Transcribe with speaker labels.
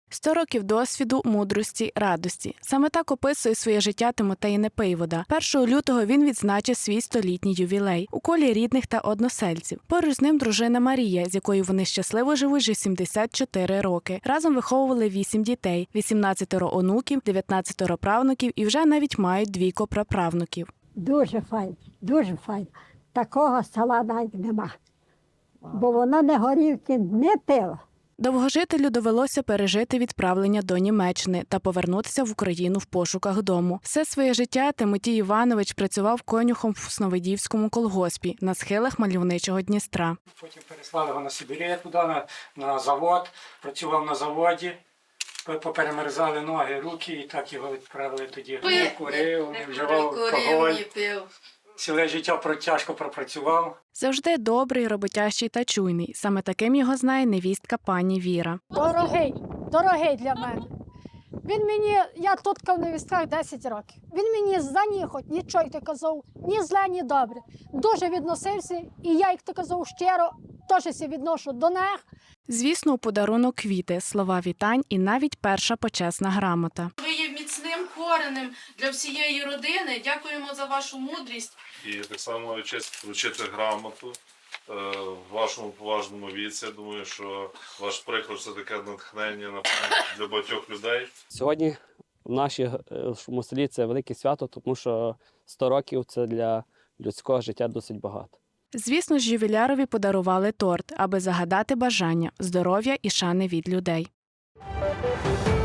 Speaker 1: 100 років досвіду, мудрості, радості. Саме так описує своє життя Тимотей Непоївода. 1 лютого він відзначив свій 100-літній ювілей у колі рідних та односельців. Поруч з ним дружина Марія, з якою вони щасливо живуть вже 74 роки. Разом виховували 8 дітей, 18 онуків, 19 правнуків і вже навіть мають 2 праправнуків.
Speaker 2: Дуже файно, дуже файно. Такого села навіть нема, бо вона не горілки не пила.
Speaker 1: Довгожителю довелося пережити відправлення до Німеччини та повернутися в Україну в пошуках дому. Все своє життя Тимотій Іванович працював конюхом в Сновидівському колгоспі на схилах мальовничого Дністра.
Speaker 3: Потім переслали його на Сибір, туди, на завод, працював на заводі, поперемерзали ноги, руки і так його відправили тоді. Не курив, не вживав алкоголь. Ціле життя тяжко пропрацював.
Speaker 1: Завжди добрий, роботящий та чуйний. Саме таким його знає невістка пані Віра.
Speaker 4: Дорогий для мене. Він мені, я тут в невістках 10 років. Він мені за ні хоч нічого, як ти казав, ні зле, ні добре. Дуже відносився, і я, як ти казав, щиро теж відношу до них.
Speaker 1: Звісно, у подарунок квіти, слова вітань і навіть перша почесна грамота.
Speaker 5: Ви є міцним коренем для всієї родини. Дякуємо за вашу мудрість.
Speaker 6: І так само честь вручити грамоту в вашому поважному віці. Я думаю, що ваш приклад – це таке натхнення для багатьох людей.
Speaker 7: Сьогодні в нашому селі це велике свято, тому що 100 років – це для людського життя досить багато.
Speaker 1: Звісно ж, ювілярові подарували торт, аби загадати бажання, здоров'я і шани від людей.